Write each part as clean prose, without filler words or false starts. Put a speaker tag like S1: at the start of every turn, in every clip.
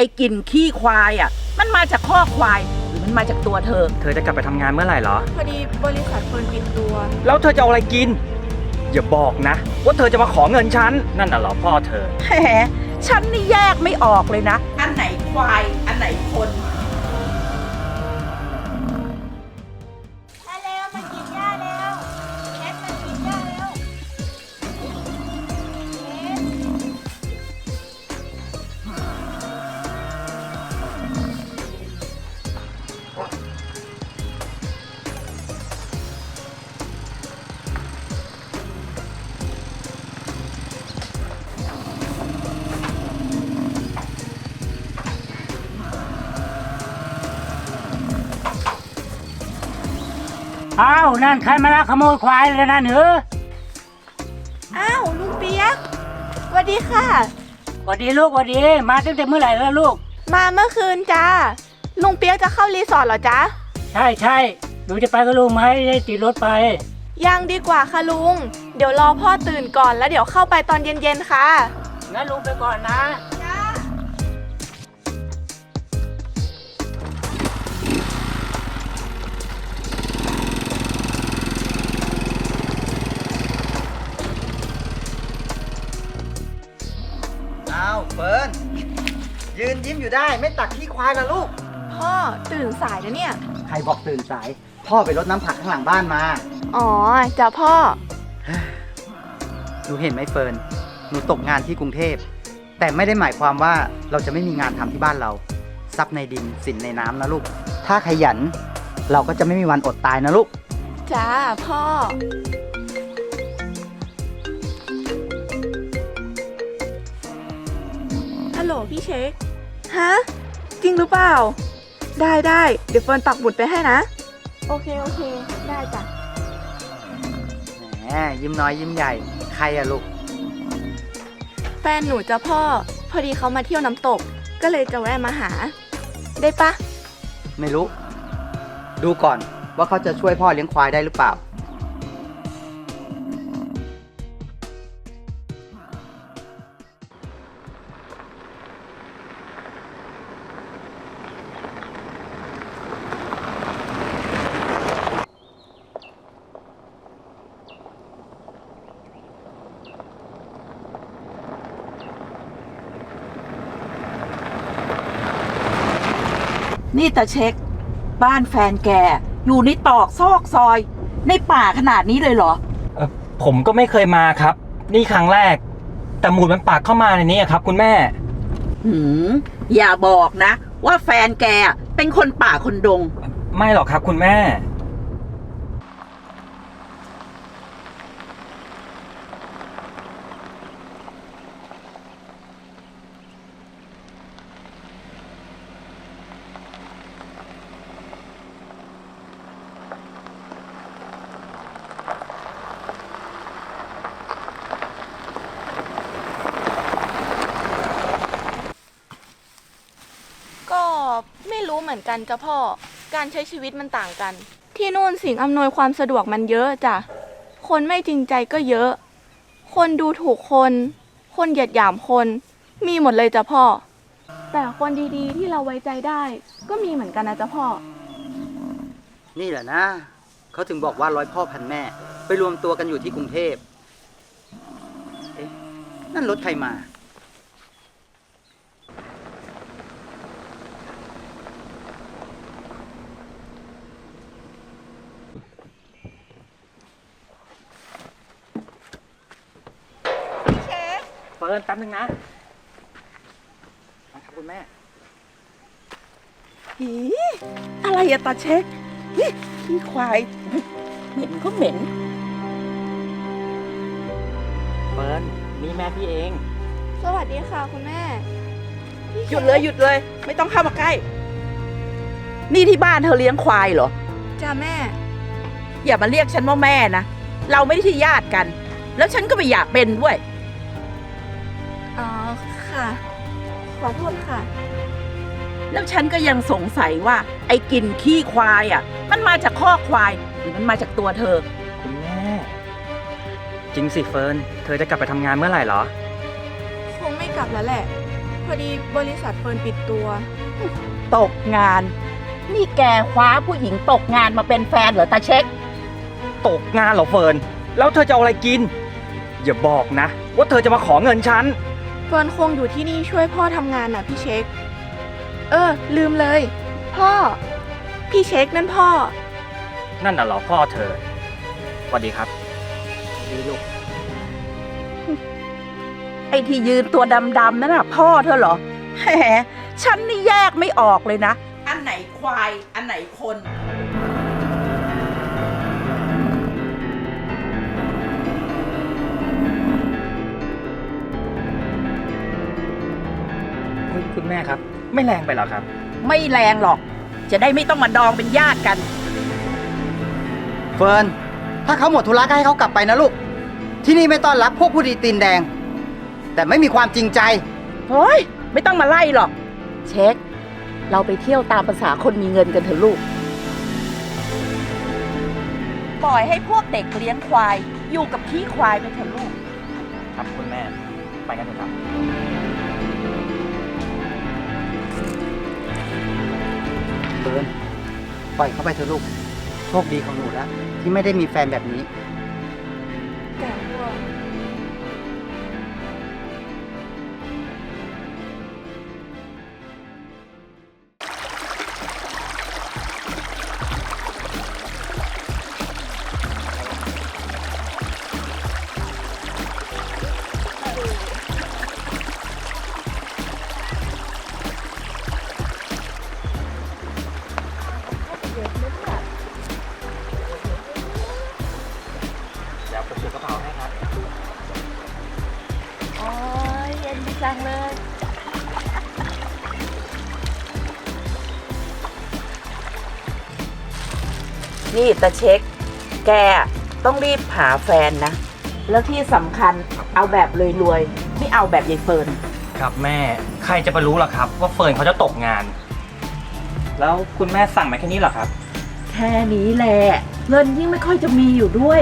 S1: อ้กลิ่นขี้ควายอ่ะมันมาจากคอกควายหรือมันมาจากตัวเธอ
S2: จะกลับไปทำงานเมื่อไหร่เหรอ
S3: พอดีบริษัทเฟิร์นปิดตัว
S2: แล้วเธอจะเอาอะไรกินอย่าบอกนะว่าเธอจะมาขอเงินฉันนั่นน่ะเหรอพ่อเธอ
S1: แหมฉันนี่แยกไม่ออกเลยนะอันไหนควายอันไหนคน
S3: มาเร็วมากินหญ้าเร็วเช็ดมากินหญ้าเร็ว
S4: อ้าวนั่นใครมาลักขโมยควายเลยนะเหนือ
S3: อ้าวลุงเปียกสวัสดีค่ะ
S4: สวัสดีลูกสวัสดีมาตั้งแต่เมื่อไหร่แล้วลูก
S3: มาเมื่อคืนจ้าลุงเปียกจะเข้ารีสอร์ทเหรอจ๊ะ
S4: ใช่หนูจะไปกับลุงไหมได้ติดรถไป
S3: ยังดีกว่าค่ะลุงเดี๋ยวรอพ่อตื่นก่อนแล้วเดี๋ยวเข้าไปตอนเย็นๆค่ะ
S4: งั้นลุงไปก่อนนะ
S2: อ้าวเฟิร์นยืนยิ้มอยู่ได้ไม่ตักขี้ควายละลูก
S3: พ่อตื่นสายนะเนี่ย
S2: ใครบอกตื่นสายพ่อไปรดน้ำผักข้างหลังบ้านมา
S3: อ๋อจ้ะพ่อ
S2: หนูเห็นไหมเฟิร์นหนูตกงานที่กรุงเทพแต่ไม่ได้หมายความว่าเราจะไม่มีงานทำที่บ้านเราทรัพย์ในดินสินในน้ำนะลูกถ้าขยันเราก็จะไม่มีวันอดตายนะลูก
S3: จ้าพ่อฮัลโหลพี่เช็คฮะจริงหรือเปล่าได้เดี๋ยวเฟิร์นปักหมุดไปให้นะโอเคได้จ้ะ
S2: แหมยิ้มน้อยยิ้มใหญ่ใครอะลูก
S3: แฟนหนูจ้ะพ่อพอดีเขามาเที่ยวน้ำตกก็เลยจะแวะมาหาได้ปะ
S2: ไม่รู้ดูก่อนว่าเขาจะช่วยพ่อเลี้ยงควายได้หรือเปล่า
S1: นี่ตาเช็คบ้านแฟนแกอยู่ในตอกซอกซอยในป่าขนาดนี้เลยเหรอ
S2: ผมก็ไม่เคยมาครับนี่ครั้งแรกแต่หมุดมันปากเข้ามาในนี้ครับคุณแม่
S1: อย่าบอกนะว่าแฟนแกเป็นคนป่าคนดง
S2: ไม่หรอกครับคุณแม่
S3: ก็ไม่รู้เหมือนกันจ้ะพ่อการใช้ชีวิตมันต่างกันที่นู่นสิ่งอำนวยความสะดวกมันเยอะจ้ะคนไม่จริงใจก็เยอะคนดูถูกคนเหยียดหยามคนมีหมดเลยจ้ะพ่อแต่คนดีๆที่เราไว้ใจได้ก็มีเหมือนกันนะจ้ะพ่อ
S2: นี่แหละนะเขาถึงบอกว่าร้อยพ่อพันแม่ไปรวมตัวกันอยู่ที่กรุงเทพเอ๊ะนั่นรถใครมาเฟิร์นแป๊บนึงนะครับคุณแม่
S1: อะไรอะตาเช็คขี้ควายเหม็นก็เหม็น
S2: เฟิร์นนี่แม่พี่เอง
S3: สวัสดีค่ะคุณแม่
S1: หยุดเลยไม่ต้องเข้ามาใกล้นี่ที่บ้านเธอเลี้ยงควายเหรอ
S3: จ้าแม่
S1: อย่ามาเรียกฉันว่าแม่นะเราไม่ได้ที่ญาติกันแล้วฉันก็ไม่อยากเป็นด้วย
S3: อ๋อค่ะขอโทษค่ะ
S1: แล้วฉันก็ยังสงสัยว่าไอ้กลิ่นขี้ควายอ่ะมันมาจากคอกควายหรือมันมาจากตัวเธอ
S2: คุณแม่จริงสิเฟิร์นเธอจะกลับไปทำงานเมื่อไหร่เหรอ
S3: คงไม่กลับแล้วแหละพออดีบริษัทเฟิร์นปิดตัว
S1: ตกงาน นี่แกคว้าผู้หญิงตกงานมาเป็นแฟนเหรอตาเช็ค
S5: ตกงานเหรอเฟิร์นแล้วเธอจะเอาอะไรกิน อย่าบอกนะ ว่าเธอจะมาขอเงินฉัน
S3: เฟิร์นคงอยู่ที่นี่ช่วยพ่อทำงานน่ะพี่เช็ค ลืมเลย พ่อ พี่เช็คนั่นพ่อ
S5: นั่นน่ะเหรอพ่อเธอสวัสดีครับดีลูก
S1: ไอ้ที่ยืนตัวดำๆนั่นน่ะพ่อเธอเหรอแหมฉันนี่แยกไม่ออกเลยนะ อันไหนควาย อันไหนคน
S5: คุณแม่ครับ ไม่แรงไปหรอครับ
S1: ไม่แรงหรอก จะได้ไม่ต้องมาดองเป็นญาติกัน
S2: เฟิร์น ถ้าเขาหมดธุระก็ให้เขากลับไปนะลูก ที่นี่ไม่ต้อนรับพวกผู้ดีตีนแดง แต่ไม่มีความจริงใจ
S1: เฮ้ย ไม่ต้องมาไล่หรอก เช็ค เราไปเที่ยวตามภาษาคนมีเงินกันเถอะลูก ปล่อยให้พวกเด็กเลี้ยงควาย อยู่กับขี้ควายไปเถอะลูก
S5: ครับคุณแม่ ไปกันเถอะครับ
S2: เฟิร์น ปล่อยเขาไปเถอะลูก โชคดีของหนูแล้วที่ไม่ได้มีแฟนแบบนี้
S5: เดี๋ยวผมถือกระเป๋าให้ครับ
S1: โอ้ยเย็นจังเลย นี่ตาเช็ค แกต้องรีบหาแฟนนะ แล้วที่สำคัญเอาแบบรวยๆ ไม่เอาแบบยายเฟิร์น
S5: ครับแม่ ใครจะไปรู้ล่ะครับ ว่าเฟิร์นเขาจะตกงาน แล้วคุณแม่สั่งมาแค่นี้เหรอครับ
S1: แค่นี้แหละ เงินยิ่งไม่ค่อยจะมีอยู่ด้วย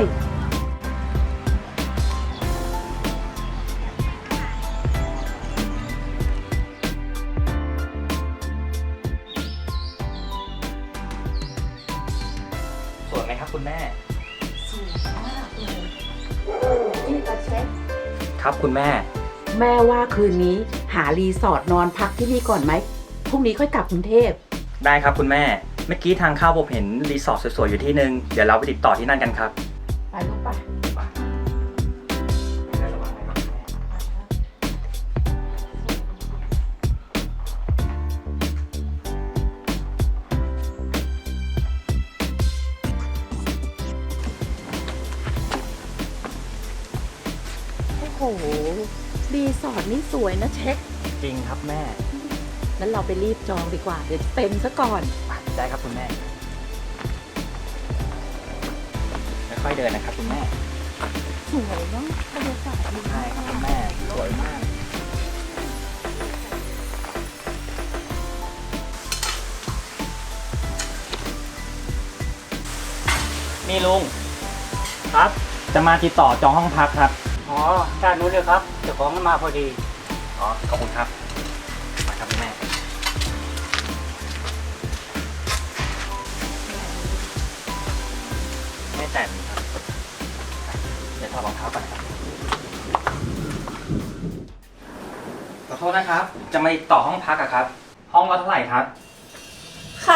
S5: สวยไหมครับคุณแม่
S1: สวยมากเลยนี่ตาเช็ค
S5: ครับคุณแม่
S1: แม่ว่าคืนนี้หารีสอร์ทนอนพักที่นี่ก่อนไหม พรุ่งนี้ค่อยกลับกรุงเทพ
S5: ได้ครับคุณแม่ เมื่อกี้ทางเข้าผมเห็นรีสอร์ทสวยๆอยู่ที่นึง เดี๋ยวเราไปติดต่อที่นั่นกันครับ
S1: ไปลูกไป โอ้โห รีสอร์ทนี่สวยนะเช็ค
S5: จริงครับแม่
S1: งั้นเราไปรีบจองดีกว่า เดี๋ยวเต็มซะก่อน
S5: ได้ครับคุณแม่ ค่อยๆเดินนะครับคุณแม่
S1: สวยเนาะบรรยากาศดี
S5: ใช่ครับคุณแม่ สวยมาก นี่ลุง ครับ จะมาติดต่อจองห้องพักครับ
S4: อ๋อด้านนู้นเลยครับเจ้าของมาพอดี
S5: อ๋อ ขอบคุณครับ มาครับคุณแม่ ไม่แต่งครับ เดี๋ยวถอดรองเท้าก่อนนะครับ ขอโทษนะครับ จะมาติดต่อห้องพักอะครับ ห้องละเท่าไหร่ครับ
S3: คะ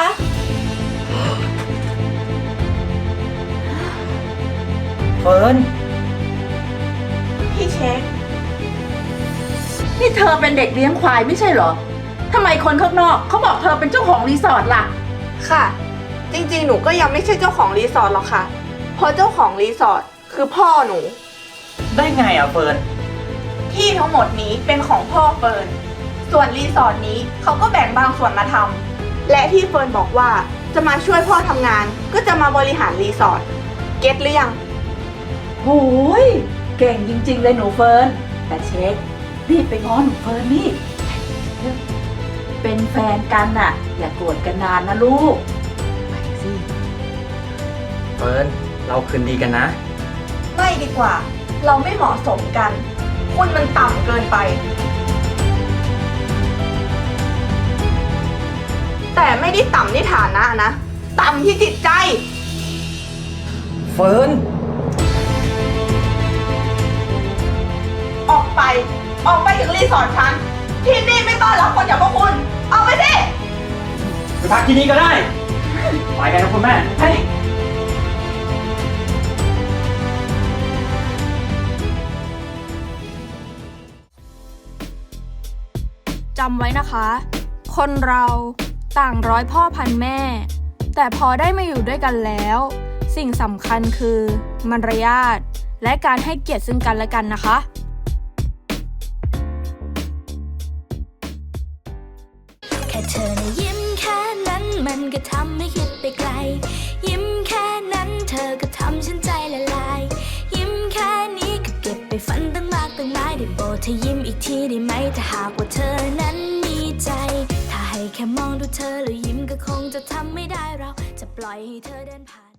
S5: เฟิร์น
S3: พี่เช็ค
S1: นี่เธอเป็นเด็กเลี้ยงควายไม่ใช่เหรอ ทำไมคนข้างนอกเขาบอกเธอเป็นเจ้าของรีสอร์ทล่ะ
S3: ค่ะ จริงๆ หนูก็ยังไม่ใช่เจ้าของรีสอร์ทหรอกค่ะ เพราะเจ้าของรีสอร์ทคือพ่อหนู
S5: ได้ไงอะเฟิร์น
S3: ที่ทั้งหมดนี้เป็นของพ่อเฟิร์น ส่วนรีสอร์ทนี้เขาก็แบ่งบางส่วนมาทำ และที่เฟิร์นบอกว่าจะมาช่วยพ่อทำงาน ก็จะมาบริหารรีสอร์ท เก็ตหรือยัง
S1: โอ้ยเก่งจริง ๆ เลยหนูเฟิร์น แต่เช็ครีบไปง้อหนูเฟิร์นนี่ เป็นแฟนกันน่ะ อย่าโกรธกันนานนะลูก ไปสิ
S5: เฟิร์น เราคืนดีกันนะ
S3: ไม่ดีกว่า เราไม่เหมาะสมกัน คุณมันต่ำเกินไปแต่ไม่ได้ต่ำที่ฐานะนะ ต่ำที่จิตใจ
S5: เฟิร์น
S3: ออกไป ออกไปจากรีสอร์ทฉัน ที่นี่ไม่ต้อนรับคนอย่างพวกคุณ ออกไปสิ
S5: ไปพักที่นี่ก็ได้ ไปกันนะคุณแม่เฮ้ย
S6: จำไว้นะคะ คนเราต่างร้อยพ่อพันแม่ แต่พอได้มาอยู่ด้วยกันแล้ว สิ่งสำคัญคือมารยาทและการให้เกียรติซึ่งกันและกันนะคะ
S7: แค่เธอนะยิ้มแค่นั้นมันก็ทำให้คิดไปไกล ยิ้มแค่นั้นเธอก็ทำฉันใจละลาย ยิ้มแค่นี้ก็เก็บไปฝันตั้งมากตั้งหลายได้โปรดเธอยิ้มอีกทีได้ไหมถ้าหากว่าเธอนั้นมีใจ ถ้าให้แค่มองดูเธอแล้วยิ้มก็คงจะทำไม่ได้เราจะปล่อยให้เธอเดินผ่าน